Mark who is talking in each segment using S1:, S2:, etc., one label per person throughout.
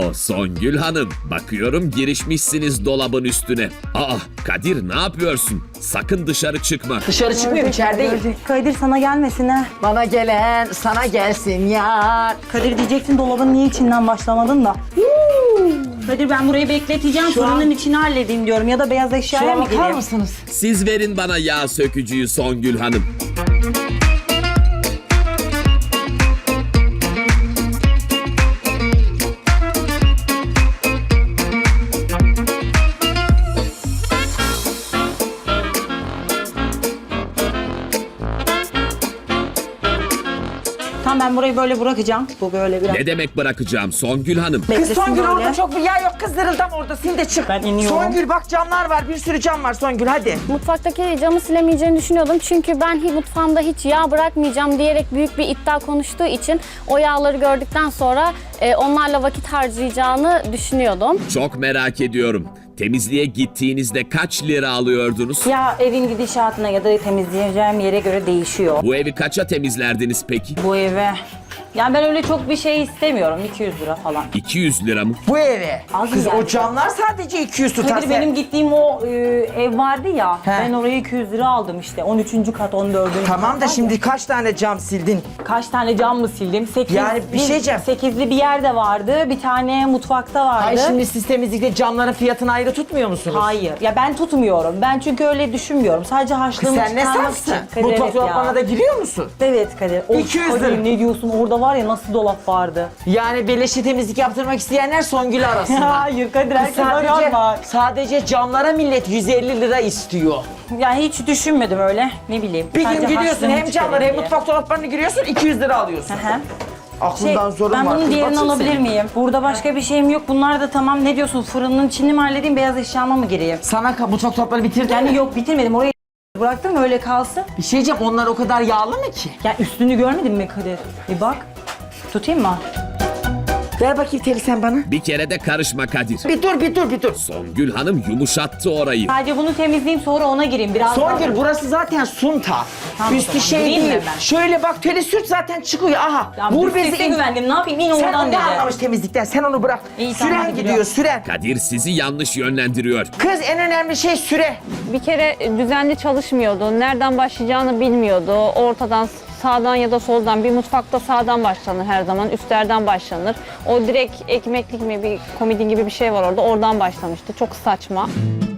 S1: Songül Hanım, bakıyorum girişmişsiniz dolabın üstüne. Aa, Kadir ne yapıyorsun? Sakın dışarı çıkma.
S2: Dışarı çıkmıyorum, içerideyim.
S3: Kadir sana gelmesin ha.
S2: Bana gelen sana gelsin yar.
S3: Kadir diyeceksin dolabın niye içinden başlamadın da. Kadir ben burayı bekleteceğim, fırının içini halledeyim diyorum ya da beyaz eşyaya
S2: Şuna
S3: mı
S2: bakar
S3: gireyim?
S2: mısınız?
S1: Siz verin bana yağ sökücüyü Songül Hanım.
S3: Tamam ben burayı böyle bırakacağım. Bu böyle biraz.
S1: Ne demek bırakacağım Songül Hanım?
S2: Kız
S3: Beklesin
S2: Songül
S3: böyle.
S2: orada çok bir yer yok, kız zırıldam orada, sil de çık.
S3: Ben iniyorum.
S2: Songül bak camlar var, bir sürü cam var Songül hadi.
S4: Mutfaktaki camı silemeyeceğini düşünüyordum. Çünkü ben mutfağımda hiç yağ bırakmayacağım diyerek büyük bir iddia konuştuğu için o yağları gördükten sonra onlarla vakit harcayacağını düşünüyordum.
S1: Çok merak ediyorum. Temizliğe gittiğinizde kaç lira alıyordunuz?
S3: Ya evin gidişatına ya da temizleyeceğim yere göre değişiyor.
S1: Bu evi kaça temizlerdiniz peki?
S3: Bu eve. Yani ben öyle çok bir şey istemiyorum. 200 lira falan.
S1: 200 lira mı?
S2: Bu eve.
S3: Az
S2: Kız
S3: yani.
S2: o camlar sadece 200 tutar.
S3: Kadir benim gittiğim o ev vardı ya.
S2: He.
S3: Ben oraya 200 lira aldım işte. 13. kat, 14.
S2: Tamam da şimdi kaç tane cam sildin?
S3: Kaç tane cam mı sildim? 8'li,
S2: Yani bir şey diyeceğim.
S3: 8'li bir yerde vardı. Bir tane mutfakta vardı.
S2: Ay şimdi siz temizlikte camların fiyatını ayrı tutmuyor musunuz?
S3: Hayır. Ya ben tutmuyorum. Ben çünkü öyle düşünmüyorum. Sadece
S2: Kız
S3: harçlığımı
S2: sen ne
S3: çıkarmak
S2: safsın?
S3: için. Kadir,
S2: Mutfak
S3: evet ya.
S2: dolaplarına da giriyor musun?
S3: Evet Kadir. Of,
S2: 200
S3: Kadir,
S2: lira.
S3: ne diyorsun? Orada var ya nasıl dolap vardı.
S2: Yani beleşe temizlik yaptırmak isteyenler Songül arasında.
S3: Hayır Kadir,
S2: Kız
S3: herkes var.
S2: sadece camlara millet 150 lira istiyor.
S3: Yani hiç düşünmedim öyle. Ne bileyim.
S2: Bir gün
S3: Sadece
S2: gidiyorsun
S3: harçlığımı
S2: hem camlara hem
S3: çıkarayım diye.
S2: mutfak dolaplarına giriyorsun 200 lira alıyorsun.
S3: Hı hı.
S2: Aklından zorun
S3: Ben
S2: var.
S3: bunun
S2: Kız
S3: diğerini
S2: bakayım
S3: alabilir
S2: senin.
S3: miyim? Burada başka bir şeyim yok. Bunlar da tamam. Ne diyorsun? Fırının içini mi halledeyim, beyaz eşyama mı gireyim?
S2: Sana mutfak dolapları bitirdin mi?
S3: Yani yok, bitirmedim. Orayı bıraktım öyle kalsın.
S2: Bir şey diyeceğim, onlar o kadar yağlı mı ki?
S3: Yani üstünü görmedin mi Kadir? Bir bak. Tutayım mı?
S2: Ver bakayım teli sen bana.
S1: Bir kere de karışma Kadir.
S2: Bir dur.
S1: Songül Hanım yumuşattı orayı.
S3: Sadece bunu temizleyeyim, sonra ona gireyim. Biraz
S2: Songül
S3: daha.
S2: burası zaten sunta.
S3: Tamam, o
S2: Üstü
S3: zaman.
S2: şey
S3: Gireyim mi
S2: değil.
S3: hemen?
S2: Şöyle bak teli sürt zaten çıkıyor. Aha.
S3: Ya
S2: Vur
S3: bu
S2: bezi
S3: sese
S2: in.
S3: güvendim. Ne yapayım? İn
S2: Sen
S3: oradan
S2: onu
S3: dedi.
S2: anlamış temizlikten. Sen onu bırak.
S3: İyi, tamam,
S2: Süren
S3: hadi
S2: gidiyor
S3: gidiyorum.
S2: süren.
S1: Kadir sizi yanlış yönlendiriyor.
S2: Kız en önemli şey süre.
S4: Bir kere düzenli çalışmıyordu. Nereden başlayacağını bilmiyordu. Ortadan, sağdan ya da soldan, bir mutfakta sağdan başlanır her zaman, üstlerden başlanır. O direkt ekmeklik mi, bir komodin gibi bir şey var orada, oradan başlamıştı. Çok saçma.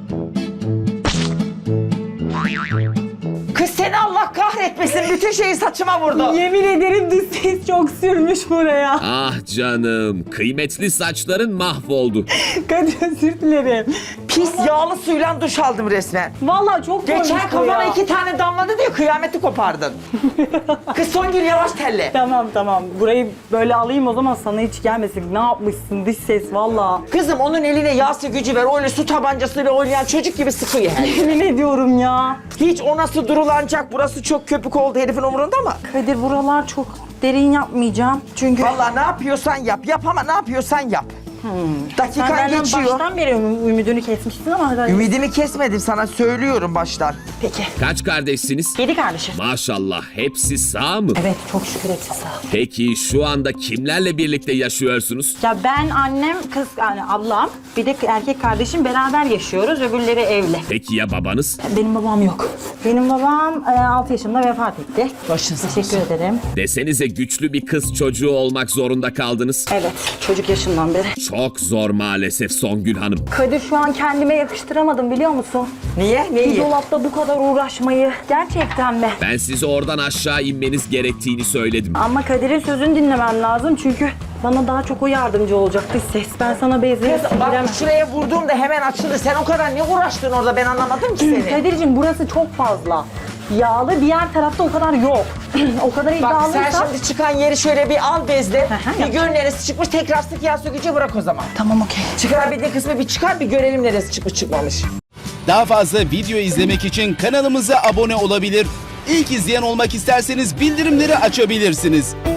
S2: Kız seni Allah kahretmesin. Bütün şeyi saçıma vurdu.
S3: Yemin ederim dış ses çok sürmüş buraya.
S1: Ah canım, kıymetli saçların mahvoldu.
S3: Kadir, özür dilerim.
S2: Pis yağlı suyla duş aldım resmen.
S3: Vallahi çok
S2: Geçen
S3: koymuş bu
S2: kafana
S3: ya.
S2: 2 tane damladı diye kıyameti kopardın. Kız Songül yavaş telle.
S3: Tamam. Burayı böyle alayım o zaman, sana hiç gelmesin. Ne yapmışsın dış ses valla.
S2: Kızım onun eline yağ sökücü ver. Öyle su tabancasıyla oynayan çocuk gibi sıkıyor her yeri.
S3: Yemin ediyorum ya.
S2: Hiç o nasıl durulanacak? Burası çok köpük oldu herifin umurunda mı?
S3: Kadir buralar çok derin yapmayacağım. Çünkü
S2: Vallahi ne yapıyorsan yap. Yap ama ne yapıyorsan yap.
S3: sen
S2: Dakikan
S3: benden
S2: geçiyor.
S3: baştan beri ümidini kesmiştin ama hadi.
S2: Ümidimi kesmedim sana söylüyorum baştan.
S3: Peki.
S1: Kaç kardeşsiniz?
S3: 7 kardeşim.
S1: Maşallah, hepsi sağ mı?
S3: Evet, çok şükür hepsi sağ.
S1: Peki şu anda kimlerle birlikte yaşıyorsunuz?
S3: Ya ben, annem, kız yani ablam, bir de erkek kardeşim beraber yaşıyoruz. Öbürleri evli.
S1: Peki ya babanız?
S3: Benim babam yok. Benim babam 6 yaşında vefat etti.
S2: Başın sağ
S3: Teşekkür ederim.
S1: Desenize güçlü bir kız çocuğu olmak zorunda kaldınız.
S3: Evet, çocuk yaşından beri.
S1: Çok zor maalesef Songül Hanım.
S3: Kadir, şu an kendime yakıştıramadım biliyor musun?
S2: Niye?
S3: Bir
S2: Neyi?
S3: dolapta bu kadar uğraşmayı. Gerçekten mi?
S1: Ben size oradan aşağı inmeniz gerektiğini söyledim.
S3: Ama Kadir'in sözünü dinlemem lazım çünkü bana daha çok o yardımcı olacaktı ses. Ben sana benzeri
S2: Kız bak şuraya vurduğumda hemen açıldı. Sen o kadar ne uğraştın orada ben anlamadım ki seni.
S3: Kadir'cim burası çok fazla. Yağlı, diğer tarafta o kadar yok. O kadar
S2: Bak
S3: iddialıysan...
S2: sen şimdi çıkan yeri şöyle bir al bezle.
S3: hı,
S2: Bir
S3: yap.
S2: gör neresi çıkmış tekrar sık yağ sökücü bırak o zaman.
S3: Tamam, okey.
S2: Çıkarabildiğin kısmı bir çıkar bir görelim neresi çıkmış çıkmamış.
S5: Daha fazla video izlemek için kanalımıza abone olabilir. İlk izleyen olmak isterseniz bildirimleri açabilirsiniz.